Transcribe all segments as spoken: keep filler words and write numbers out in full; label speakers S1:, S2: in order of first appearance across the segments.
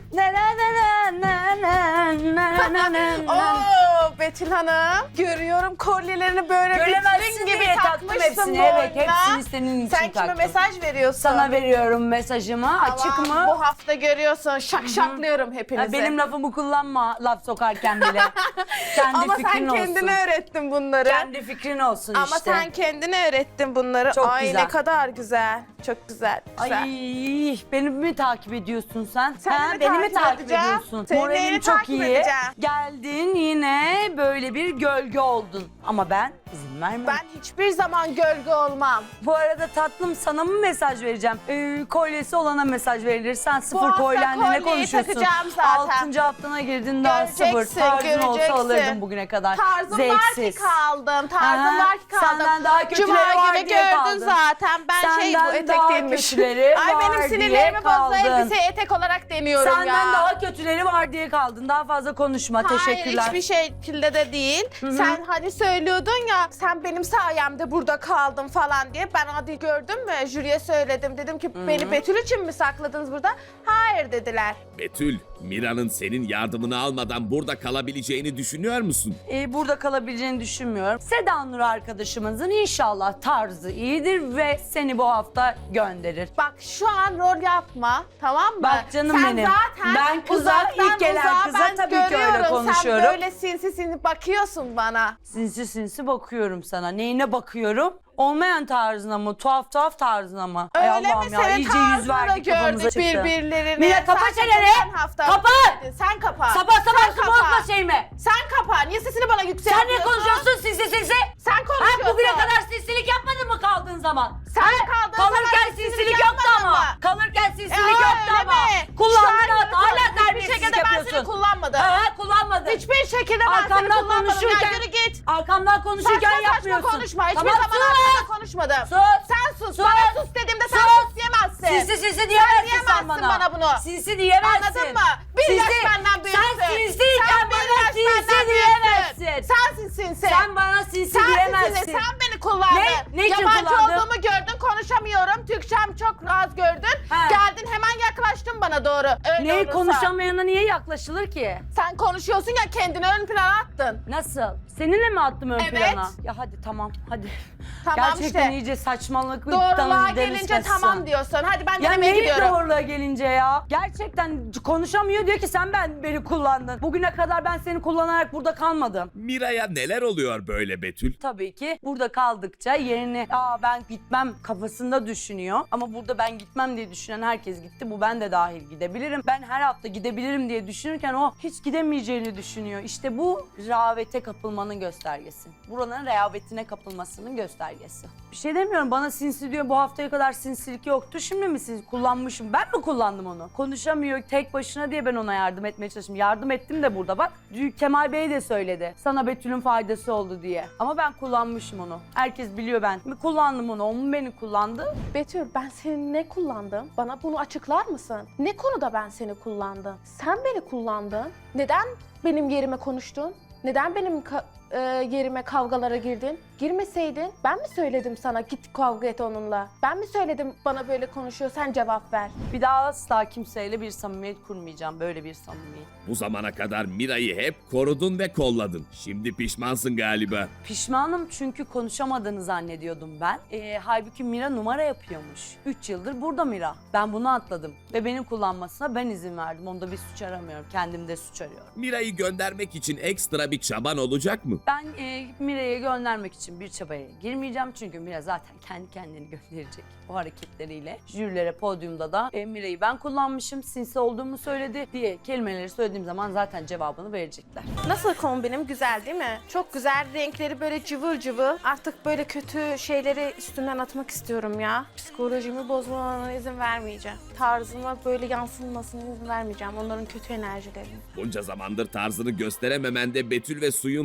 S1: Na na na na na na na na na.
S2: Oo Betül Hanım. Görüyorum kolyelerini böyle
S1: Göremezsin
S2: vitrin gibi
S1: diye taktım
S2: takmışsın
S1: hepsini.
S2: boynuna.
S1: Evet, hepsini senin için
S2: Sen kime
S1: taktım.
S2: mesaj veriyorsun?
S1: Sana veriyorum mesajımı. Açık
S2: Tamam,
S1: mı?
S2: Bu hafta görüyorsun. Şak şaklıyorum hepinizi.
S1: Ha, benim lafımı kullanma laf sokarken bile. Kendi
S2: Ama
S1: fikrin
S2: sen
S1: olsun.
S2: kendine öğrettin bunları.
S1: Kendi fikrin olsun
S2: Ama
S1: işte.
S2: sen kendine öğrettin bunları.
S1: Çok
S2: Ay
S1: güzel.
S2: ne kadar güzel. Çok güzel. güzel.
S1: Ay beni mi takip ediyorsun sen?
S2: Sen
S1: ha,
S2: mi
S1: beni mi
S2: takip
S1: takip
S2: edeceğim?
S1: ediyorsun?
S2: Senin
S1: Moralim
S2: neyini
S1: çok
S2: takip
S1: iyi.
S2: edeceğim?
S1: Geldin yine böyle bir gölge oldun. Ama ben izin vermem.
S2: Ben hiçbir zaman gölge olmam.
S1: Bu arada tatlım sana mı mesaj vereceğim? Ee, kolyesi olana mesaj verilir. Sen sıfır
S2: hafta
S1: kolyenle ne
S2: kolyeyi
S1: konuşuyorsun?
S2: takacağım zaten.
S1: Altıncı haftana girdin daha
S2: Göreceksin,
S1: sıfır. Tarzın olsa
S2: göreceksin.
S1: alırdın bugüne kadar.
S2: Tarzım
S1: Zevksiz.
S2: var ki kaldım. Tarzım
S1: Aha,
S2: var ki kaldım.
S1: senden daha kötüleri
S2: Cuma
S1: var
S2: gibi
S1: diye
S2: gördün
S1: kaldın.
S2: zaten. Ben şey bu
S1: Senden
S2: etek
S1: daha
S2: değilmiş.
S1: kötüleri
S2: Ay
S1: var
S2: benim
S1: diye
S2: sinirlerimi bozdu.
S1: kaldın.
S2: Elbise etek olarak deniyorum
S1: Senden
S2: ya.
S1: daha kötüleri var diye kaldın. Daha fazla konuşma. Teşekkürler.
S2: Hayır hiçbir şekilde de değil. Sen hani söylüyordun ya sen benim sayemde burada kaldın falan diye. Ben hadi gördüm mü jüriye söyledim. Dedim ki beni Betül için mi sakladınız burada? Hayır dediler.
S3: Betül, Mira'nın senin yardımını almadan burada kalabileceğini düşünüyor musun?
S1: Ee, burada kalabileceğini düşünmüyorum. Seda Nur arkadaşımızın inşallah tarzı iyidir ve seni bu hafta gönderir.
S2: Bak şu an rol yapma tamam mı?
S1: Bak canım
S2: sen
S1: benim.
S2: zaten
S1: Ben kıza,
S2: uzaktan
S1: ilk gelen
S2: uzağa
S1: kıza
S2: ben
S1: tabii ki öyle
S2: görüyorum.
S1: konuşuyorum.
S2: Sen böyle sinsi sinsi bakıyorsun bana.
S1: Sinsi sinsi bakıyorum sana. Neyine bakıyorum? Olmayan tarzına mı? Tuhaf tuhaf tarzına mı? Ay
S2: Öyle mi?
S1: Allah'ım ya,
S2: Senin
S1: iyice yüz
S2: tarzını
S1: verdik kafamıza
S2: gördük
S1: çıktı.
S2: birbirlerine.
S1: Mira kapa
S2: Sen
S1: çeneni!
S2: geçen hafta
S1: Kapa!
S2: dedin. Sen kapa.
S1: Sabah sabah
S2: Sen
S1: su
S2: kapa.
S1: bozma şeyimi.
S2: Sen kapa. Niye sesini bana
S1: Sen
S2: yükseltiyorsun?
S1: ne konuşuyorsun sinsi sinsi?
S2: Sen
S1: Ha,
S2: konuşuyorsun.
S1: bugüne kadar sinsilik yapmadın mı kaldığın zaman?
S2: Sen
S1: Ha,
S2: kaldığın
S1: Kalırken
S2: zaman sinsilik
S1: sinsilik yoktu
S2: yapmadın
S1: ama.
S2: mı?
S1: Kalırken sinsilik
S2: E,
S1: yoktu
S2: öyle
S1: ama.
S2: mi?
S1: Kullandın
S2: Şu an
S1: at. Hala
S2: hiçbir
S1: terbiyesizlik
S2: şekilde ben
S1: yapıyorsun.
S2: seni kullanmadım.
S1: Ha, kullanmadın.
S2: Hiçbir şekilde ben seni
S1: Arkamdan
S2: kullanmadım.
S1: konuşurken,
S2: Ya yürü git.
S1: arkamdan konuşurken
S2: Saçma saçma
S1: yapmıyorsun.
S2: konuşma. Hiçbir
S1: Tamam,
S2: zaman
S1: sus.
S2: arkamda konuşmadım.
S1: Sus.
S2: Sen sus.
S1: Sus.
S2: Bana sus dediğimde sen
S1: Sus.
S2: sus diyemezsin.
S1: Sinsi sinsi diyemezsin sen,
S2: diyemezsin
S1: bana.
S2: bana bunu.
S1: Sinsi diyemezsin.
S2: Anladın mı? Bir yaş benden büyüksün.
S1: Sen sinsiyken
S2: Sen bir
S1: bana
S2: yaş
S1: sinsi
S2: benden
S1: diyemezsin.
S2: büyüksün. Sensin sinsi.
S1: Sen bana sinsi
S2: Sensin
S1: diyemezsin.
S2: sinsi. Sen beni kullandın.
S1: Ne? Ne için
S2: Yabancı
S1: kullandım?
S2: olduğumu gördün. Konuşamıyorum. Türkçem çok az gördün.
S1: He.
S2: Geldin hemen yaklaştın bana doğru. Öyle
S1: Neyi
S2: olursa.
S1: konuşamayana niye yaklaşılır ki?
S2: Sen konuşuyorsun ya kendini ön plana attın.
S1: Nasıl? Seninle mi attım ön
S2: Evet.
S1: plana? Ya hadi tamam hadi.
S2: Tamam
S1: Gerçekten
S2: işte.
S1: iyice saçmalık.
S2: Doğruluğa
S1: deniz
S2: gelince
S1: kaçsın.
S2: tamam diyorsun. Hadi ben
S1: Ya
S2: denemeye
S1: neyi
S2: gidiyorum.
S1: doğruluğa gelince ya? Gerçekten konuşamıyor diyor ki sen ben beni kullandın. Bugüne kadar ben seni kullanarak burada kalmadım.
S3: Mira'ya neler oluyor böyle Betül?
S1: Tabii ki burada kaldıkça yerine aa ben gitmem kafasında düşünüyor. Ama burada ben gitmem diye düşünen herkes gitti. Bu ben de dahil gidebilirim. Ben her hafta gidebilirim diye düşünürken o hiç gidemeyeceğini düşünüyor. İşte bu rehavete kapılmanın göstergesi. Buranın rehavetine kapılmasının göstergesi. Bir şey demiyorum, bana sinsi diyor, bu haftaya kadar sinsilik yoktu. Şimdi mi sinsi kullanmışım? Ben mi kullandım onu? Konuşamıyor tek başına diye ben ona yardım etmeye çalıştım. Yardım ettim de burada bak. Kemal Bey de söyledi. Sana Betül'ün faydası oldu diye. Ama ben kullanmışım onu. Herkes biliyor ben. Kullandım onu. O mu beni kullandı?
S2: Betül ben seni ne kullandım? Bana bunu açıklar mısın? Ne konuda ben seni kullandım? Sen beni kullandın. Neden benim yerime konuştun? Neden benim ka- e, yerime kavgalara girdin? Girmeseydin ben mi söyledim sana git kavga et onunla? Ben mi söyledim bana böyle konuşuyor sen cevap ver?
S1: Bir daha asla kimseyle bir samimiyet kurmayacağım. Böyle bir samimiyet.
S3: Bu zamana kadar Mira'yı hep korudun ve kolladın. Şimdi pişmansın galiba.
S1: Pişmanım çünkü konuşamadığını zannediyordum ben. Ee, halbuki Mira numara yapıyormuş. Üç yıldır burada Mira. Ben bunu atladım. Ve benim kullanmasına ben izin verdim. Onda bir suç aramıyorum. Kendimde suç arıyorum.
S3: Mira'yı göndermek için ekstra bir çaban olacak mı?
S1: Ben e, Mira'yı göndermek için bir çabaya girmeyeceğim. Çünkü Mira zaten kendi kendini gönderecek o hareketleriyle. Jürilere podyumda da e, Mira'yı ben kullanmışım, sinsi olduğumu söyledi diye kelimeleri söylediğim zaman zaten cevabını verecekler.
S2: Nasıl kombinim güzel değil mi? Çok güzel renkleri böyle cıvır cıvır. Artık böyle kötü şeyleri üstünden atmak istiyorum ya. Psikolojimi bozmalarına izin vermeyeceğim. Tarzıma böyle yansınmasına izin vermeyeceğim. Onların kötü enerjilerini.
S3: Bunca zamandır tarzını gösterememende Betül ve Suyun payı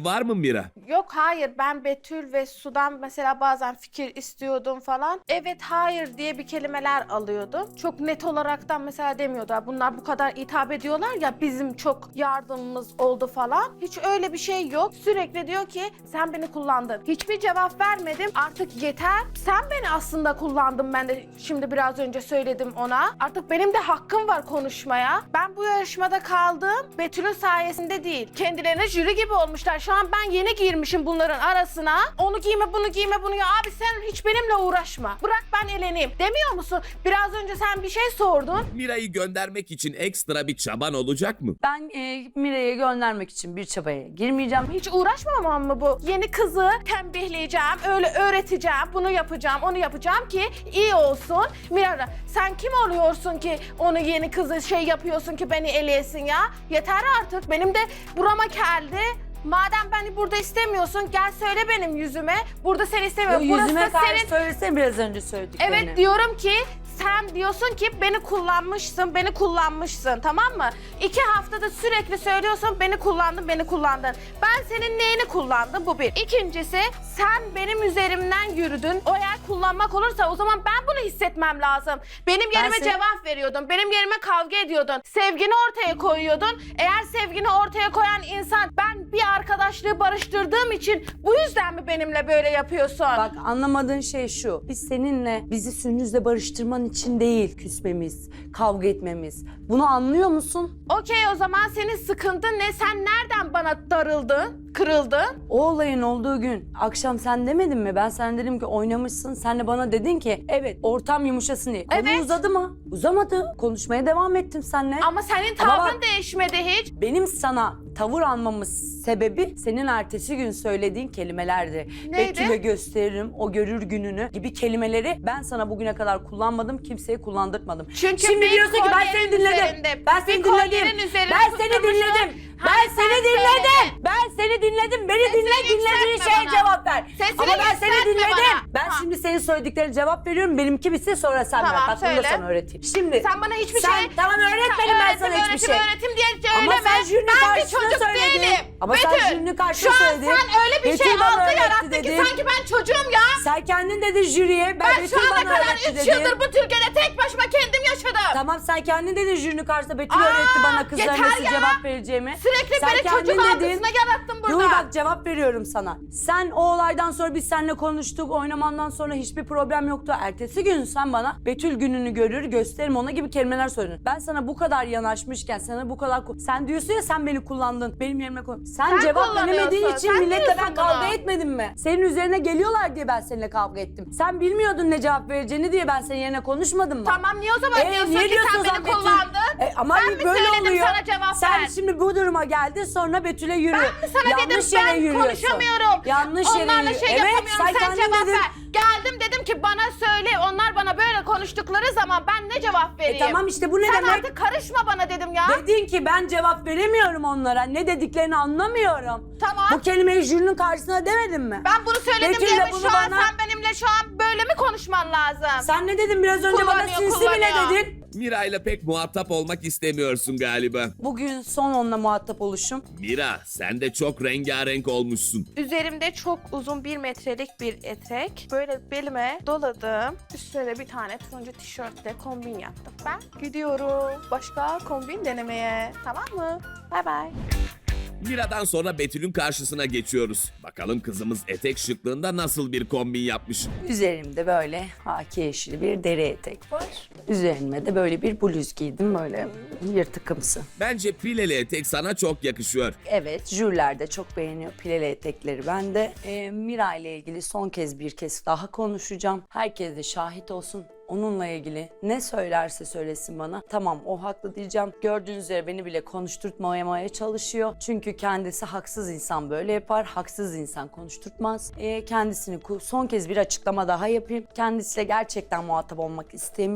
S3: var mı Mira?
S2: Yok hayır, ben Betül ve Su'dan mesela bazen fikir istiyordum falan. Evet hayır diye bir kelimeler alıyordum. Çok net olaraktan mesela demiyordu. Bunlar bu kadar hitap ediyorlar ya, bizim çok yardımımız oldu falan. Hiç öyle bir şey yok. Sürekli diyor ki sen beni kullandın. Hiçbir cevap vermedim. Artık yeter. Sen beni aslında kullandın, ben de şimdi biraz önce söyledim ona. Artık benim de hakkım var konuşmaya. Ben bu yarışmada kaldım. Betül'ün sayesinde değil. Kendilerine jüri gibi olmuşlar. Şu an ben yeni girmişim bunların arasına. Onu giyme, bunu giyme, bunu ya. Abi sen hiç benimle uğraşma. Bırak ben eleneyim. Demiyor musun? Biraz önce sen bir şey sordun.
S3: Mira'yı göndermek için ekstra bir çaban olacak mı?
S1: Ben e, Mira'yı göndermek için bir çabaya girmeyeceğim.
S2: Hiç uğraşmamam mı bu? Yeni kızı tembihleyeceğim, öyle öğreteceğim, bunu yapacağım, onu yapacağım ki iyi olsun. Mira, sen kim oluyorsun ki onu yeni kızı şey yapıyorsun ki beni eleyesin ya? Yeter artık. Benim de burama geldi. Madem beni burada istemiyorsun, gel söyle benim yüzüme. Burada seni istemiyorum.
S1: Yo,
S2: Burası
S1: yüzüme
S2: da
S1: karşı
S2: senin...
S1: söylesene biraz önce söylediklerini.
S2: Evet diyorum ki sen diyorsun ki beni kullanmışsın, beni kullanmışsın, tamam mı? İki haftada sürekli söylüyorsun beni kullandın, beni kullandın. Ben senin neyini kullandım? Bu bir. İkincisi sen benim üzerimden yürüdün. O eğer kullanmak olursa o zaman ben bunu hissetmem lazım. Benim yerime
S1: seni-
S2: cevap veriyordun, benim yerime kavga ediyordun. Sevgini ortaya koyuyordun. Eğer sevgini ortaya koyan insan ben bir arkadaşlığı barıştırdığım için bu yüzden mi benimle böyle yapıyorsun?
S1: Bak anlamadığın şey şu. Biz seninle bizi Sündüz'le barıştırman için değil küsmemiz, kavga etmemiz. Bunu anlıyor musun?
S2: Okey, o zaman senin sıkıntın ne? Sen nereden bana darıldın, kırıldın?
S1: O olayın olduğu gün akşam sen demedin mi? Ben sana dedim ki oynamışsın. Sen de bana dedin ki evet ortam yumuşasın diye. Konu
S2: Evet.
S1: uzadı mı? Uzamadı. Konuşmaya devam ettim seninle.
S2: Ama senin
S1: Ama
S2: tavrın
S1: bak-
S2: değişmedi hiç.
S1: Benim sana tavır almamın sebebi senin ertesi gün söylediğin kelimelerdi.
S2: Neydi?
S1: Betül'e gösteririm, o görür gününü gibi kelimeleri ben sana bugüne kadar kullanmadım, kimseye kullandırtmadım.
S2: Çünkü
S1: Şimdi
S2: bir
S1: diyorsun ki ben seni
S2: kolyenin
S1: dinledim.
S2: üzerinde,
S1: Ben seni
S2: bir
S1: dinledim.
S2: kolyenin üzerine
S1: Ben seni
S2: tutturmuşsun.
S1: dinledim. Ben
S2: Hani
S1: seni
S2: sen
S1: dinledim.
S2: söyledin.
S1: Ben seni dinledim. Beni
S2: Sesini
S1: dinle, dinlediğin
S2: yükseltme
S1: şeye
S2: bana.
S1: cevap ver.
S2: Sesini
S1: Ama ben seni
S2: yükseltme
S1: dinledim.
S2: bana.
S1: Ben
S2: Ha.
S1: şimdi senin söylediklerine cevap veriyorum. Benimki bitse sonra sen
S2: Tamam,
S1: ver. Bak bunu da
S2: söyle.
S1: sana öğreteyim. Şimdi
S2: Sen bana hiçbir
S1: sen,
S2: şey...
S1: Tamam öğretmedim ben
S2: öğretim,
S1: sana hiçbir
S2: öğretim,
S1: şey.
S2: Öğretim diye
S1: Ama
S2: söyleme.
S1: sen jürinin
S2: Ben bir
S1: karşısında
S2: çocuk
S1: söyledin.
S2: değilim.
S1: Ama sen
S2: Betül,
S1: jürinin karşısında
S2: şu an
S1: söyledin.
S2: sen öyle bir
S1: Betül
S2: şey
S1: bana
S2: algı
S1: öğretti
S2: yarattın ki
S1: dedin.
S2: sanki ben çocuğum ya.
S1: Sen kendin dedin jüriye. Ben,
S2: Ben şu
S1: Betül
S2: ana
S1: bana
S2: kadar
S1: öğretti
S2: üç
S1: dedin.
S2: yıldır bu Türkiye'de tek başıma kendim yaşadım.
S1: Tamam sen kendin dedin jürinin karşısında Betül
S2: Aa,
S1: öğretti bana kızlara
S2: yeter
S1: nasıl
S2: ya.
S1: cevap vereceğimi.
S2: Sürekli
S1: Sen
S2: beni
S1: kendin
S2: çocuk
S1: dedin.
S2: algısına yarattın burada.
S1: Dur bak cevap veriyorum sana. Sen o olaydan sonra biz seninle konuştuk. Oynamandan sonra hiçbir problem yoktu. Ertesi gün sen bana Betül gününü görür gösteririm ona gibi kelimeler söyledin. Ben sana bu kadar yanaşmışken sana bu kadar... Sen diyorsun ya sen beni kullandın. Benim yerime koy. Sen,
S2: Sen
S1: cevap veremediğin
S2: kullanıyorsun,
S1: için
S2: sen
S1: milletle
S2: diyorsun
S1: ben kavga
S2: bunu.
S1: etmedim mi? Senin üzerine geliyorlar diye ben seninle kavga ettim. Sen bilmiyordun ne cevap vereceğini diye ben senin yerine konuşmadım mı?
S2: Tamam niye o zaman
S1: Ee,
S2: diyorsun
S1: niye
S2: ki
S1: diyorsun
S2: sen
S1: o
S2: beni
S1: zaman Betül?
S2: kullandın?
S1: E, ama
S2: Ben mi
S1: böyle
S2: söyledim
S1: oluyor.
S2: sana cevap
S1: Sen
S2: ver?
S1: şimdi bu duruma geldin sonra Betül'e yürü.
S2: Ben mi sana
S1: Yanlış
S2: dedim
S1: yere
S2: ben
S1: yürüyorsun.
S2: konuşamıyorum.
S1: Yanlış yere
S2: Onlarla
S1: yürü-
S2: şey
S1: Evet,
S2: yapamıyorum
S1: sen
S2: sen,
S1: kendin
S2: cevap
S1: dedin.
S2: ver. Geldim dedim ki bana söyle, onlar bana böyle konuştukları zaman ben ne cevap vereyim?
S1: E tamam işte bu ne
S2: Sen
S1: demek?
S2: artık karışma bana dedim ya.
S1: Dedin ki ben cevap veremiyorum onlara. Ne dediklerini anlamıyorum.
S2: Tamam.
S1: Bu kelimeyi jürinin karşısına demedin mi?
S2: Ben bunu söyledim
S1: Betül
S2: diye
S1: de
S2: mi
S1: bunu
S2: şu an
S1: bana-
S2: sen benimle şu an böyle mi konuşman lazım?
S1: Sen ne dedin biraz önce bana
S2: Kullanıyor,
S1: sinsi mi ne
S2: kullanıyor.
S1: dedin?
S3: Mira ile pek muhatap olmak istemiyorsun galiba.
S1: Bugün son onunla muhatap oluşum.
S3: Mira sen de çok rengarenk olmuşsun.
S2: Üzerimde çok uzun bir metrelik bir etek. Böyle belime doladım. Üstüne bir tane turuncu tişörtle kombin yaptım. Ben gidiyorum başka kombin denemeye. Tamam mı? Bay bay.
S3: Mira'dan sonra Betül'ün karşısına geçiyoruz. Bakalım kızımız etek şıklığında nasıl bir kombin yapmış.
S1: Üzerimde böyle haki yeşili bir deri etek var. Üzerime de böyle bir bluz giydim böyle yırtıkımsı.
S3: Bence pileli etek sana çok yakışıyor.
S1: Evet, jüriler de çok beğeniyor pileli etekleri. Ben de e, Mira ile ilgili son kez bir kez daha konuşacağım. Herkes de şahit olsun. Onunla ilgili ne söylerse söylesin bana. Tamam o haklı diyeceğim. Gördüğünüz üzere beni bile konuşturtmamaya çalışıyor. Çünkü kendisi haksız insan böyle yapar. Haksız insan konuşturtmaz. E, kendisini ku- son kez bir açıklama daha yapayım. Kendisiyle gerçekten muhatap olmak istemiyorum.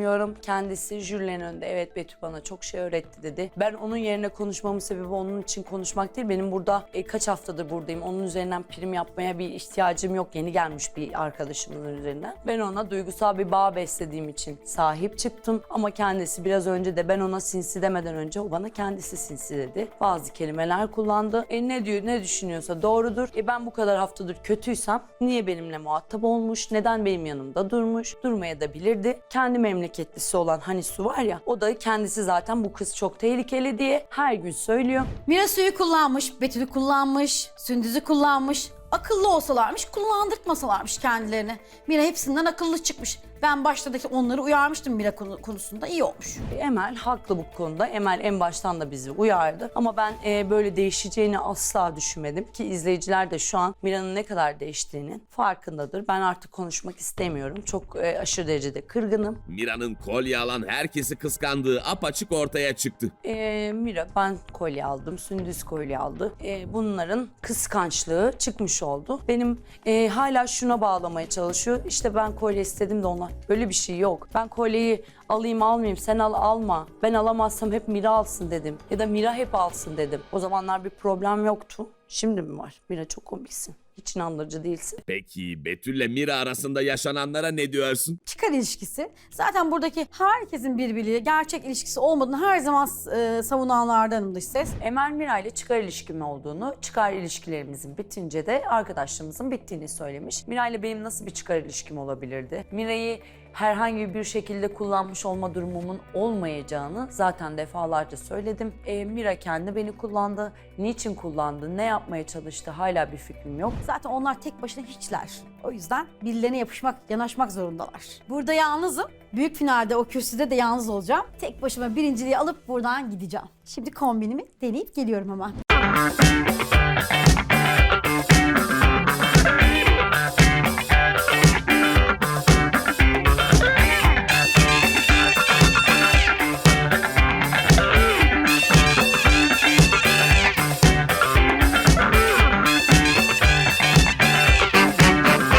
S1: kendisi jürilerin önünde evet Betül bana çok şey öğretti dedi. Ben onun yerine konuşmamın sebebi onun için konuşmak değil. Benim burada e, kaç haftadır buradayım. Onun üzerinden prim yapmaya bir ihtiyacım yok. Yeni gelmiş bir arkadaşımın üzerinden. Ben ona duygusal bir bağ beslediğim için sahip çıktım. Ama kendisi biraz önce de ben ona sinsi demeden önce o bana kendisi sinsi dedi. Bazı kelimeler kullandı. E ne diyor, ne düşünüyorsa doğrudur. E ben bu kadar haftadır kötüysem niye benimle muhatap olmuş? Neden benim yanımda durmuş? Durmaya da bilirdi. Kendi memleketlisi olan hani Su var ya, o da kendisi zaten bu kız çok tehlikeli diye her gün söylüyor.
S4: Mira suyu kullanmış, Betül'ü kullanmış, Sündüz'ü kullanmış. Akıllı olsalarmış, kullandırtmasalarmış kendilerini. Mira hepsinden akıllı çıkmış. Ben başta da onları uyarmıştım Mira konu- konusunda. İyi olmuş.
S1: Emel haklı bu konuda. Emel en baştan da bizi uyardı. Ama ben e, böyle değişeceğini asla düşünmedim. Ki izleyiciler de şu an Mira'nın ne kadar değiştiğinin farkındadır. Ben artık konuşmak istemiyorum. Çok e, aşırı derecede kırgınım.
S3: Mira'nın kolye alan herkesi kıskandığı apaçık ortaya çıktı.
S1: E, Mira ben kolye aldım. Sündüz kolye aldı. E, bunların kıskançlığı çıkmış oldu. Benim e, hala şuna bağlamaya çalışıyor. İşte ben kolye istedim de onlar. Böyle bir şey yok. Ben kolyeyi alayım almayayım, sen al alma. Ben alamazsam hep Mira alsın dedim. Ya da Mira hep alsın dedim. O zamanlar bir problem yoktu. Şimdi mi var? Mira çok komiksin. Hiç inandırıcı değilsin.
S3: Peki Betül'le Mira arasında yaşananlara ne diyorsun?
S4: Çıkar ilişkisi. Zaten buradaki herkesin birbiriyle gerçek ilişkisi olmadığını her zaman e, savunanlardanım dış ses.
S1: Emel Mira ile çıkar ilişkim olduğunu, çıkar ilişkilerimizin bitince de arkadaşlığımızın bittiğini söylemiş. Mira ile benim nasıl bir çıkar ilişkim olabilirdi? Mira'yı herhangi bir şekilde kullanmış olma durumumun olmayacağını zaten defalarca söyledim. E, Mira kendi beni kullandı. Niçin kullandı, ne yapmaya çalıştı hala bir fikrim yok.
S4: Zaten onlar tek başına hiçler. O yüzden birilerine yapışmak, yanaşmak zorundalar. Burada yalnızım. Büyük finalde o kürsüde de yalnız olacağım. Tek başıma birinciliği alıp buradan gideceğim. Şimdi kombinimi deneyip geliyorum hemen.